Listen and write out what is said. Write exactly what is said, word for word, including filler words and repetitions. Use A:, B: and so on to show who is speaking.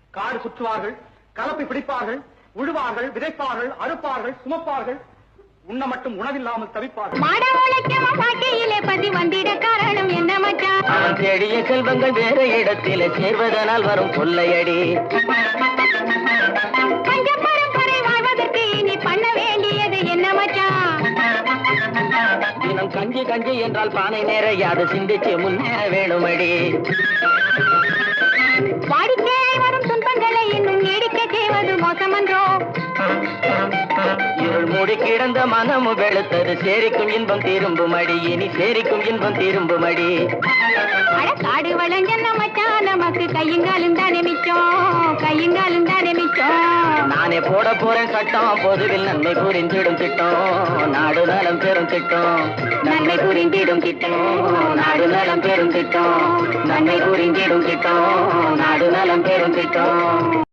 A: காடு சுற்றுவார்கள், கலப்பை பிடிப்பார்கள், உழுவார்கள், விதைப்பார்கள், அறுப்பார்கள், சுமப்பார்கள், உண்ண மட்டும் உணவில்லாமல் தவிப்பார்கள்.
B: பதி வந்திட காரணம் என்ன மச்சான்?
C: அவன் தேடிய செல்வங்கள் வேற இடத்தில் சேர்வதனால் வரும் கொள்ளையடி.
B: பஞ்ச பரம்பரை வாழ்வதற்கு நீ பண்ண வேண்டியது என்ன மச்சான்?
C: தினம் கஞ்சி கஞ்சி என்றால் பானை நேரையாது சிந்திச்சு முன்னேற வேணுமடி.
B: வாடிக்கையாய் வரும் துன்பங்களை இன்னும் நீடிக்க செய்வது மோசமன்றோ?
C: இருள் மூடி கிடந்த மனமும் வெளுத்தது சேரிக்கும் இன்பம் திரும்பும் அடி. இனி சேரிக்கும் இன்பம் திரும்பும் அடி.
B: அட காடு வளஞ்சன்ன மச்சான், நமக்கு கையுங்காலும் தானே மிச்சம், கையுங்காலும் தானே மிச்சம்.
C: நானே போட போறேன் சட்டம், பொதுவில் நன்மை புரிந்திடும் திட்டம், நாடு நலம் பெரும் திட்டம், நன்மை புரிந்திடும் திட்டம், நாடு நலம் பெரும் திட்டம், நன்மை புரிந்திடும் திட்டம், நாடு நலம் பெரும் திட்டம்.